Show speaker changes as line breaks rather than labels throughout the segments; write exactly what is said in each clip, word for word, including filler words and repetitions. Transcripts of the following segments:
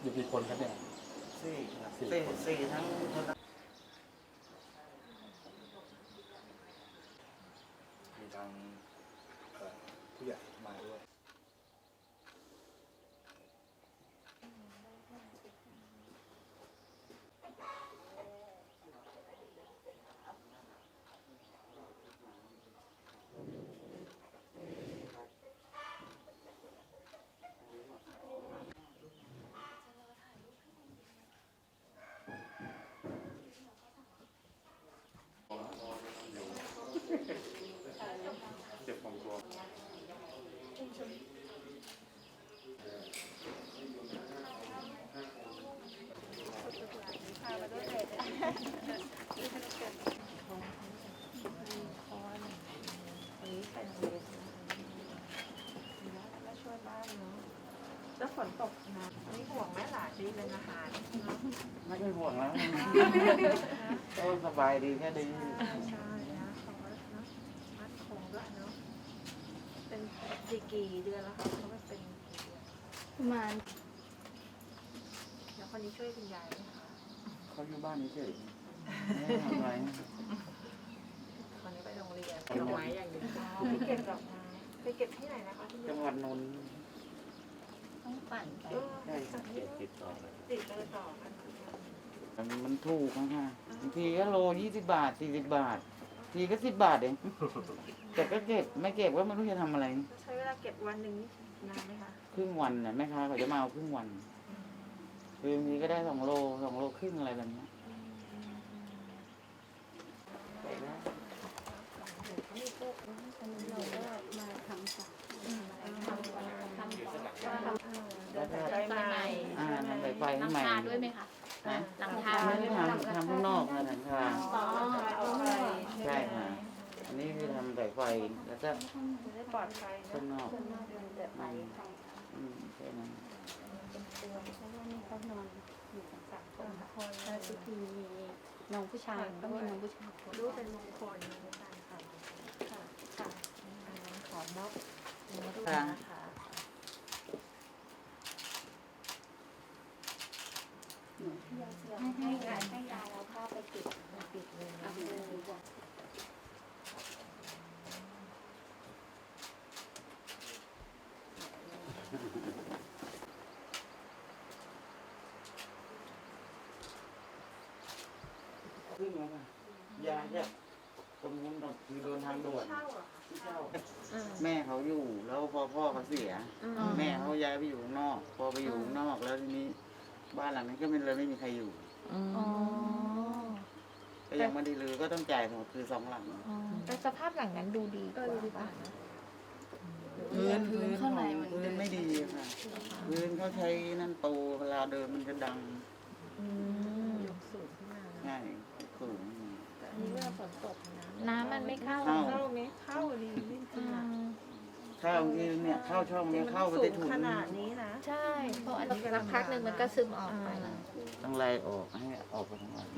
อยู่กี่คนครับเนี่ย
สี่สี่สี่ทั้งคนมีทางผู้ใหญ่มาด้วยเจ็บของตัว
แล้วฝนตกนะนี่ห่วงไหมหลานดีเป็นอาหาร
ไม่ค่อยห่วงแล้วก็สบายดีแค่ดี
ใช่นะเขาก็นะมัดคงด้วยเนาะเป็นกี่กี่เดือนแล้วคะเขาก็เป็น
ประมาณ
แล้วคนนี้ช่วยคุณยายไหมคะ
เขาอยู่บ้านเฉยไม่ทำอะไร
คนนี้ไปโรงเรียนดอกไม้อย่างเดียวไปเก็บดอกไม้ไปเก็บที่ไหนนะคะที่
จังหวัดนนท์
ต้องปั่นไป
ใช่ติดต่อ
ติดเบอร์ต่อกัน
มันถูกนะค่ะบางทีก็โลยี่สิบบาทสี่สิบบาททีก็สิบบาทเองแต่ก็เก็บไม่เก็บก็ไม่รู้จะทำอะไร
ใช้เวลาเก็บวันหนึ่งนานไหมคะ
ครึ่งวันน่ะแม่ค้าเขาจะมาเอาครึ่งวันคือบางทีก็ได้สองโลสองโลครึ่งอะไรแบบนี้
เราก็มาทำสักทำก่อนทำก่อน
แล้วก็ได้ใหม่
อ่าทำใบไฟให้ใหม่
หลังคาด้วยไหมคะหลังคา
ไม่ได้ทำทำข้างนอกนะหลังคาใช่ค่ะอันนี้คือทำใบไฟแล้วก็
ปลอดภัย
ข้างนอก
ไม่
อืมใช่นั้น
เป็นตัวเพราะว่านี่เขานอนอยู่กันสามคนแล้วทุกทีมีน้องผู้ชายก็มีน้องผู้ชาย
รู้เป็นมงคลในการทำค่ะค่ะขอมอบรูปนะคะ
ให้ยายให้ยายเราเข้าไปปิดปิดเลยเอาเลยดีกว่า
ขึ้นมาค่ะยาเนี่ยคนนู้นคือโดนทางด่วนที่เช่าแม่เขาอยู่แล้วพอพ่อเขาเสียแม่เขาย้ายไปอยู่ข้างนอกพอไปอยู่ข้างนอกแล้วทีนี้บ้านหลังนั้นก็ไม่เลยไม่มีใครอยู่ก็ยังไม่ได้รื้อก็ต้องจ่ายหมดคือสองหลัง
แต่สภาพหลังนั้นดูดีกว่า
พื้นพื้นข้างในพื้นไม่ดีค่ะพื้นเขาใช้นั่นโตเวลาเดินมันจะดัง
สูงขึ้นมา
ใช่สูง
แต่อันนี้เวลาฝนตก
น้ำมันไม่เข้า
เข้าไหมเข้าดีขึ้นมา
เข้าที่เนี่ยเข้าช่องนี้เข้าไปได้ถุน
ขนาดนี้นะ
ใช่เพราะอันนี้สักพักหนึ่งมันก็ซึมออกไป
ต้องไล่ออกให้ออกไปทั้งหมด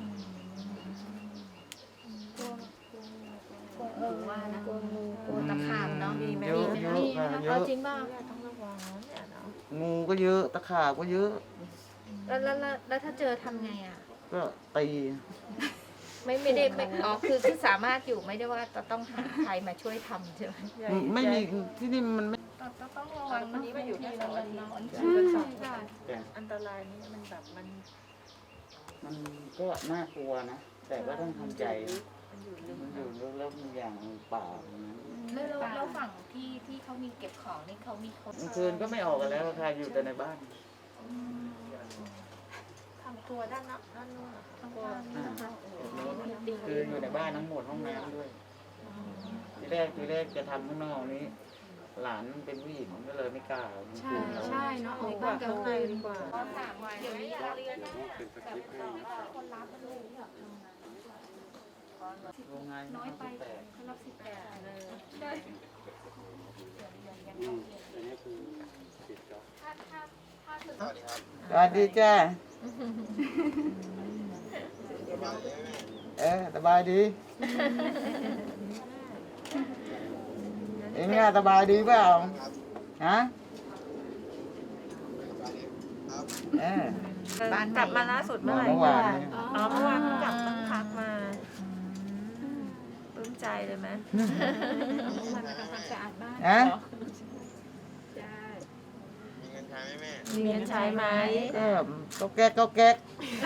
กลัวว่านะกลัวงูกลัวตะขาบเนาะมีไหม
เยอะเยอะเยอะ
จริงป่ะ
ต้องระวังเนี่ยเนาะ
งูก็เยอะตะขาบก็เยอะ
แล้วแล้วแล้วถ้าเจอทำไงอ่ะ
ก็ตี
ไม่ไม่ได้ไม่อ๋อคือคือสามารถอยู่ไม่ได้ว่าจะต้องหาใครมาช่วยทำใช่ไหม
ไม่มีที่นี่มันไม่
ต้องระวังวันนี้มาอยู่ที่เราอันนี้อันตรายนี้มันแบบมัน
มันก็น่ากลัวนะแต่ก็ต้องทำใจมันอยู่ลึกแล้วมันอย่างป่า
แล้วแล้วฝั่งที่ที่เขามีเก็บของนี่เขามีคน
คืนก็ไม่ออกกันแล้วค่ะอยู่แต่ในบ้าน
ทำตัวด้านนับด้านนู้นทั้งตัว
คืออยู่ในบ้านทั้งหมดห้องน้ำด้วยทีแรกทีแรกจะทำข้างนอกนี้หลานเป็นผู้หญิงก็เลยไม่กล้า
ใช่ใช่เนาะออกบ้านกลางคืนดีกว่าเดี๋ยวนี้เราเรียนนะแบบคนรับมันเลยแบบ
โรงงาน
น้อยไปเขารับสิบแปดเลยใช่
อันนี้คือสิบจ็อบ
ถ้าถ้าถ้าคือ
สวัสดีครับสวัสดีจ้าเออสบายดีเอ็งเนี่ยสบายดีเปล่าฮะเออ
บ้านกลับมาล่าสุดเมื่อไหร่
เมื่อวานนี้
อ๋อเมื่อวานเพิ่งกลับตั้งพักมาอืมปลื้มใจเลยไหม
มันทำความสะอาดบ้าน
อะ
ใช่
มีเงินใช้ไหมแม่
มีเงินใช้ไหม
ก็ก็แก๊กก็แก๊ก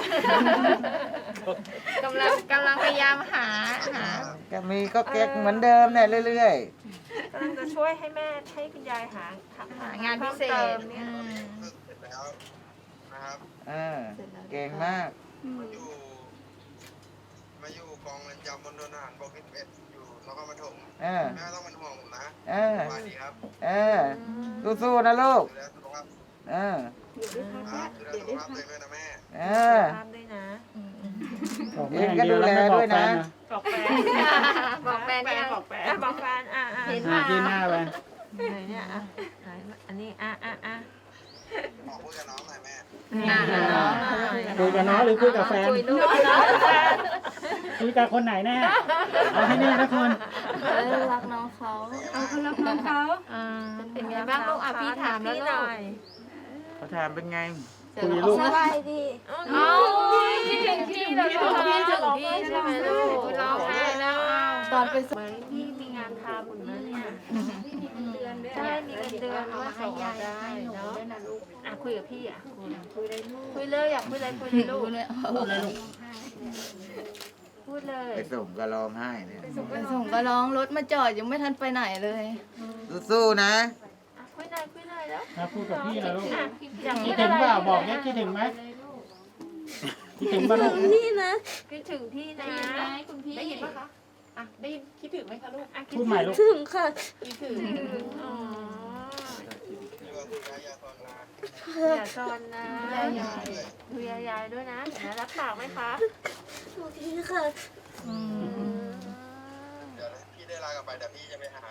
กำลังกำลังพยายามหาหา
ก็มีก็แก๊กเหมือนเดิมเนี่ยเรื่อย
กำลังจะช่วยให้แม่ให้คุณยายหา
หางานพิเศษ
พิ่มติมเนี่ย
อืม
เสร็จแล้วนะครับ
ๆเออเก่งมาก
มาอยู่ มาอยู่กองเรือนจำบนทหารบกที่สิบเอ็ดอยู่นครปฐม
เออ
แม่ต้องเป็นห่วงผมนะ
เออ
สวัสดีครับ
เออสู้ๆนะลูก
ดูแลสุขภาพ
เออ
อยู่ด้วยกัน
ครั
นะ
บดูแล
เดี๋ยว
สุข
ได้
ภาพ
พั
ตัว
ก
เองด้วยนะแม่
เออ
ตามด้วยนะ
อืมอืม
เองก็ดูแลด้วยนะ
บอกแฟน
บอกแฟนยัง
บอกแฟนบอกแฟนอ่ะอ่ะ
เห็น
อ่า
ว่า
ที่หน้าไป
ไหนเนี่ยอ่ะไหนอันนี้อ่ะอ่ะอ่ะ
ขอพูดกับน้องหน่อยแม่
อ่า
คุยกับน้องหรือคุยกับแฟน
คุยด้วย
คุยกับคนไหนแน่ เอาให้แน่นะคน
เออรักน้องเขาเอาเขารักน้องเขา
อ่าเป็นไงบ้างลูกอ่ะพี่ถามแล้ว
พี่
ลู
หน่
ก
อย
เขาถามเป็นไง
คุยลูก
สบายดี
เอ้าคิดถึงพี่เลยลูกคิดถึงพี่ใช่ไหมลูกร้องไห้แล้วอ้าว
ตอนไปส
เหมือนพี่มีงานทำเหมือนนะเนี่ย
เดือนด้วย
ใช่มีเงินเดือนว่าส่งมาได้
หนู
เนาะ
ด้วยนะลูก
อ่ะคุยกับพี่อ่ะคุย
คุยได้ลูก
คุยเลยอยากคุยอะไรคุยเลยลูก
เลย
พูดเลยลูก
พูดเลย
ไปส่งก็ร้องไห้เนี่ย
ไปส่งก็ร้องรถมาจอดยังไม่ทันไปไหนเลย
สู้ๆนะ
อ่ะคุยหน่อยคุยหน่อยแล้ว
ถ้าพูดกับพี่นะลูก
อ่ะอยาก
คิ
พู
ด
ด
ถึ
อะ
ง
ไร
เปล่าบอกเนี่ยคิดถึงไหมคิดถึงป่ะลูก
พี่นะ
คิดถึงพี่นะ
คุณพี่ได้ยินปะคะอ่ะได้ยินคิดถึงไหมคะลูก
อ่ะคิ
พูดใหม่ลูก
ถึงค่ะ
คิดถึง
อ๋อ
อยู่กับคุณยายาตอนนา
อย่าซอนนะดูยายายด้วยนะเห็นไหมรับปากไหมคะ
โอเคค่ะ
อืม
เดี๋ยวพี่ได้ลากลับไปเดี๋ยวพี่จะไปหา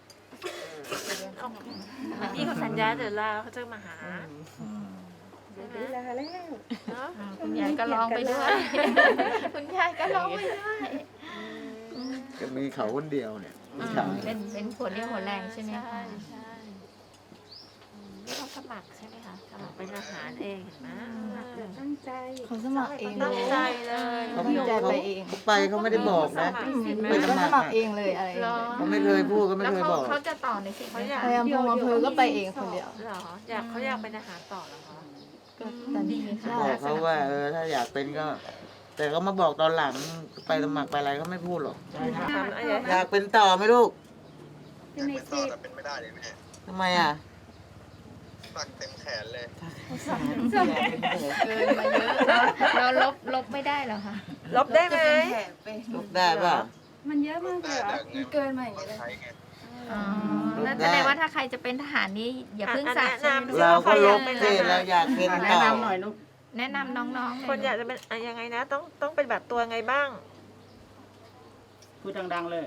พี่เขาสัญญาเดี๋ยวลาเขาจะมาหา
เดี๋ยวได้ลาแล้ว
เนาะ
อ่าคุณยายก็ร้องไปด้วย คุณยายก็ร้องไปด้วย
ก็มีเขาคนเดียวเนี่ยผู้ชาย
เป็นเป็นผลเรียวหัวแรงใช่ไหม
ใช่
คะ
ใช่อืมนี่เขาสมัครใช่ไหมคะสมัครเป็นอาหารเองเห็นไหม
ตั้งใจเขาสมัครเอง
ตั้งใจเลย
เขา
ตั้งใจไปเอง
เขาไปเขาไม่ได้บอกนะ
มันก็สมัครเองเลยอะไร
เหรอ
เขาไม่เคยพูดก็ไม่
แล้ว
เคย
เขา
บอก
เขาจะต่อในสิ่งไหน
เขาอยาก
พยายามพงอำเภอก็ไปเองคนเดียว
เหรออยากเขาอยากเป็นอาหารต่อเหรอคะ
แต่
ดี
นี่
ค่ะ
บอกเขาว่าเออถ้าอยากเป็นก็ แต่เขามาบอกตอนหลังไปสมัครไปอะไรเขาไม่พูดหรอก
ทำอะไร
อยากเป็นต่อไหมลูก
อยากเป็นต่อแต่เป็นไม่ได้เลยแม่
ทำไมอ่ะ
สักเต็มแขนเลย
เกินมาเยอะแล้วเราลบลบไม่ได้เหรอคะ
ลบได้ไหม
ลูกได้ป่ะ
มันเยอะมากเลยเหรอมันเกินมาอย่าง
ต้อ
นี้
ง
เลย
ใช้ไง
อ๋อแล้วแสดงว่าถ้าใครจะเป็นทหารนี่อย่าเพิ่งสักใช่ไหมลูก
เราก็ลบสิเราอยากเป็น
แนะ
ต่อน
ำหน่อยลูก
แนะนำน้องๆ
คนอยากจะเป็นอะยังไงนะ ต้องต้องเป็นแบบตัวไงบ้าง
พูดดังๆเลย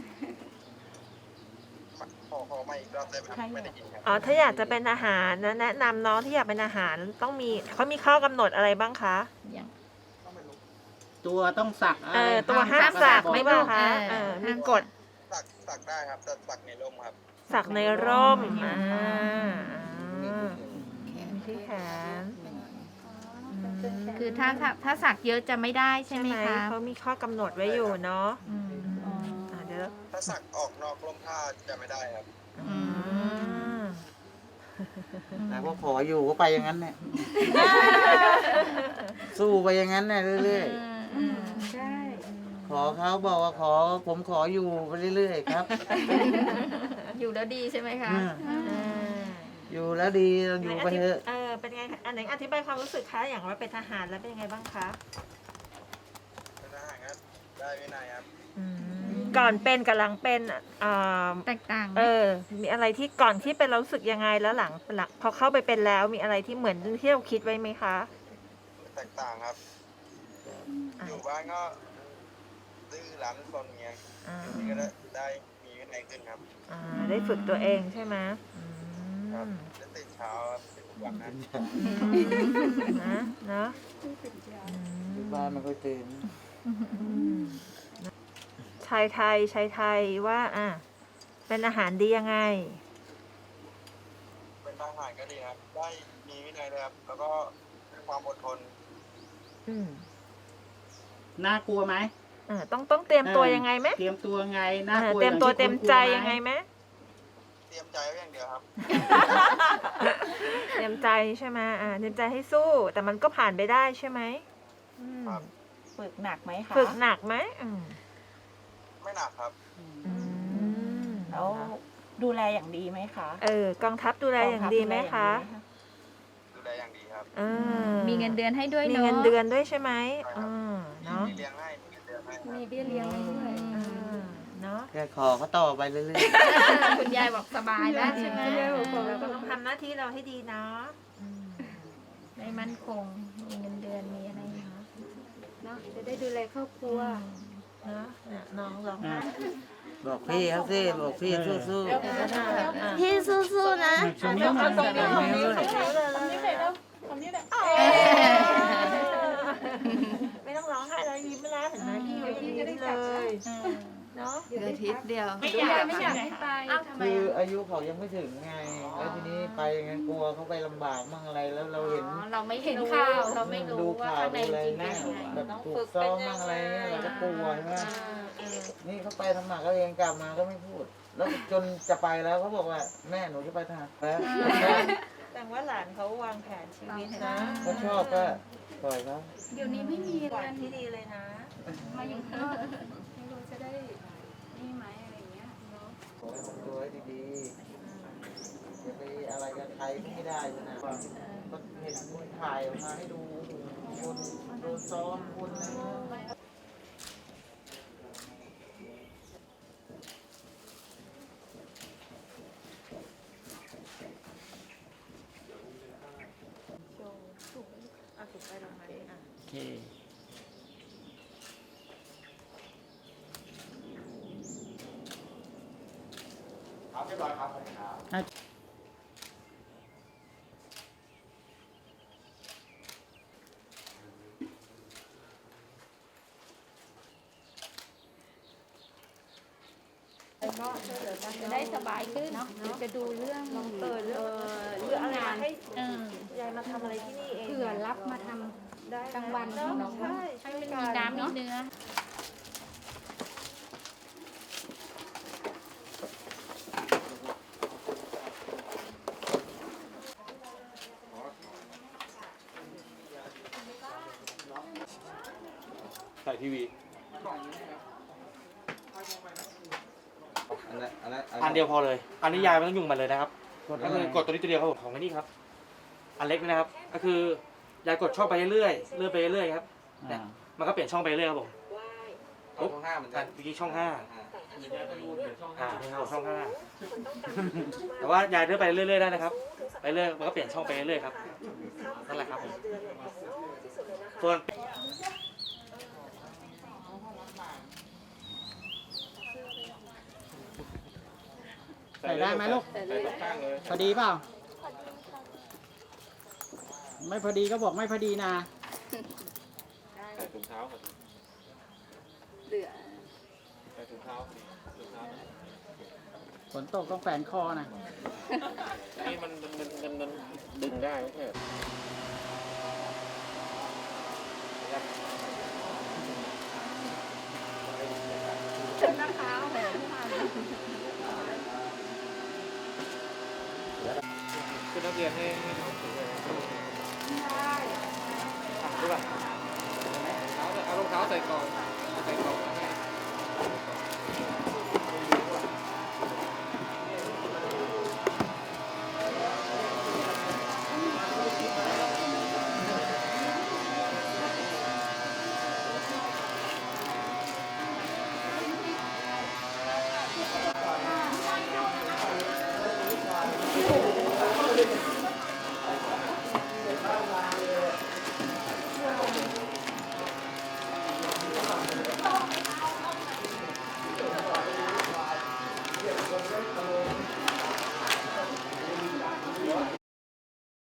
ขอขอมาอีกรอบได้ไหมครับไม่ได้ยินครับ
อ๋อ ถ้าอยากจะเป็นอาหารนะแนะนำน้องที่อยากเป็นอาหารต้องมีเขามีข้อกำหนดอะไรบ้างคะ
อย่าง
ตัวต้องสัก
เออตัวห้าม
อะ
สั
ร
ก
บอก
ไม่บ้างคะเออมีกฎ
สักสักได้ครับแต่สักในร่มครับ
สักในร่มอ่าอ่าที่แขน
คือถ้าถ้าถ้าสักเยอะจะไม่ได้ใช่ไหมคะ
เขามีข้อกำหนดไว้อยู่เนาะ
อืม
อ่าเดี๋ยว
ถ้าสักออกนอกร่มผ้าจะไม่ได้ครับ
อืม
แต่ว่าขออยู่ก็ไปอย่างนั้นเนี่ยสู้ไปอย่างนั้นเนี่ยเรื่อย
อืม
ใช่
ๆ ขอเขาบอกว่าขอผมขออยู่ไปเรื่อยๆครับ
อยู่แล้วดีใช่ไหมคะ
อืม
อ่า
อยู่แล้วดีเราอยู่ไปเถอะ
เออเป็นไงคะอันไหนอธิบายความรู้สึกคะอย่างว่าเป็นทหารแล้วเป็นยังไงบ้างคะ
เป็นทหารก็ได้วินัยครับ
ก่อนเป็นกับหลังเป็นอ่า
แตกต่างไหม
เออ มีอะไรที่ก่อนที่เป็นเรารู้สึกยังไงแล้วหลังหลังพอเข้าไปเป็นแล้วมีอะไรที่เหมือนที่เราคิดไว้ไหมคะ
แตกต่างครับ อยู่บ้านก็ดื้อรั้นซนเงี้ย
อ่า
นี่ก็ได้ได้มีวินัยขึ้นครับ
อ่าได้ฝึกตัวเองใช่ไหมอื
ครับ
ม
ได้ตื่นเช้าครับเป็นทุกวันนะ
นะเนาะ
อยู่บ้านไม่ค่อยตื่น
ชายไทยชายไทยว่าอ่ะเป็นอาหารดียังไง
เป็นทหารก็ดีครับ ได้มีวินัยนื่อยเลยครับ แล้วก็ความอดทน
อืม
น่ากลัวไหม
อ่าต้องต้องเตรียมตัวยังไงไหม
เตรียมตัวไงน่า
อ่าก
ลัว
เตรียมตัว
อา
เต็ม
ที่คนกลัว
ใจ
ห
ยังไงไหม
เตรียมใจไว้อย่างเดียวครับ
เตรียมใจใช่ไหมอ่าเตรียมใจให้สู้ แต่มันก็ผ่านไปได้ใช่ไหมอืม
ครับ
ฝึกหนักไหมคะ
ฝึกหนักไหมอืม
ไม่หนักครับ
อืม
แล้วดูแลอย่างดีไหมคะ
เออกองทัพดูแลอย่างดีไหมคะ
ดูแลอย่างดีครับ
เออ
มีเงินเดือนให้ด้วย
มี
เนาะ
เงินเดือนด้วยใช่ไหม
ใช่ครับ
อ่าเนาะ
มีเลี้ยงให้มีเงินเดือนให้ครับ
มีเบี้ยเลี้ยงให้ด้วย
อ่าเนาะ
แค่ขอเขาต่อไปเรื่อย
คุณยายบอกสบายแล้วใช่ไหม
เราก็ต้องทำหน้าที่เราให้ดีเนาะอืม
ได้มั่นคง มีเงินเดือนมีอะไรเนาะ
เนาะจะได้ดูแลครอบครัว
เนาะเนี่ยน้องร้องไห้
ๆ บอกพี่เขาสิบอกพี่สู้
พี่สู้ๆนะ
ช่วงนี้มา
ตรงนี้ตรงนี้
เลย
ตรงนี้เลยไม่ต้องร้องไห้แล้วยิ้มแล้วเห็นไหมพี่ก็ยิ้มเลยเนาะ
เดือนทิศเดียว
ไม่อยากไม่อยากให้ไป
ๆคืออายุเขายังไม่ถึงไง แล้วทีนี้ไปอย่างนั้นกลัวเขาไปลำบากมั่งอะไรแล้วเราเห็น
เราไม่เห็นข่าวเราไม่
ดู
รู้ว่า
ข่าว
ข้างใน
ดูอะไร
จริงเป็
นะ
นยังไง
แบบถูกซ้อมมั่งอะไรเงี้ยเราก็กลัวใช่ไหมนี่เขาไปทำหมากเขาเองกลับมาก็ไม่พูด แล้วจนจะไปแล้วเขาบอกว่าแม่หนูจะไปทหารแล้ว
แต่ว่าหลานเขาวางแผนชีวิตนะ
เขาชอบก็ปล่อยเขา
เดี๋ยวนี้ไม่มี
หวา
กัน น
ที่ดีเลยนะ
มาอยู่ข้างนอกไม่รู้จะได้นี่ไหมอะไรอย่างเงี้ยเนาะ
ขอให้ทำตัวให้ดีๆอย่าไปอะไรกับใครไม่ได้นะก็เห็นคนถ่ายออกมาให้ดูคนโดนซ้อมคนอะไรเงี้ย
โชว์สูงเอาสูงไปลงมาดิอ่ะ
โอเค
ครับเรียบร้อยครับครับ
ก็ช่วยเหลือกัน
จะได้สบายขึ้นเนาะจะดูเรื่อง
เออเรื่อง
เรื่
เรื่
อ
อง งอะไร
งาน
ให้
เออย
ายมาทำอะไรที่นี่เอง
เผื่อรับมาทำ
ได้
กลางวัน
เนาะ
เนาะ
ใช่
ให้มันมีน้ำมีเนื้อ
ใส่ทีวี
อันนั้นอันนั้น
อันเดียวพอเลย อันนี้ยายไม่ต้องยุ่งมันเลยนะครับ
กด
ก็
อะไร
คือกดตัวนี้ตัวเดียวครับผมของไอ้นี่ครับ อันเล็กนะครับ ก็คือยายกดช่องไปเรื่อยๆเลื่อนไปเรื่อยๆครับ
อ่า
มันก็เปลี่ยนช่องไปเรื่อยครับผม
เอาช่องห้าเหมือนกัน
เมื่อกี้ช่องห้าอ่านี่ครับช่องห้าแต่ว่ายายเลื่อนไปเรื่อยๆได้นะครับ ไปเรื่อยมันก็เปลี่ยนช่องไปเรื่อยๆครับ นั่นแหละครับผมส่วน
ใส่ได้ไหมลูก พอดีเปล่า ไม่พอดีก็บอกไม่พอดีนะ
ใส่ถุงเท้าก่อน
เหลือ
ใส่ถุงเท้าถุงเท้า
ฝนตกต้องแฝนคอนะ
นี่มันมันมันมันมันดึงได้ไม่ใช่เหรอ
นะคะแหม
คือนักเรียนให้ให้น้องถือเลยได้ดูป่ะเอารองเท้าใส่ก่อนใส่ก่อน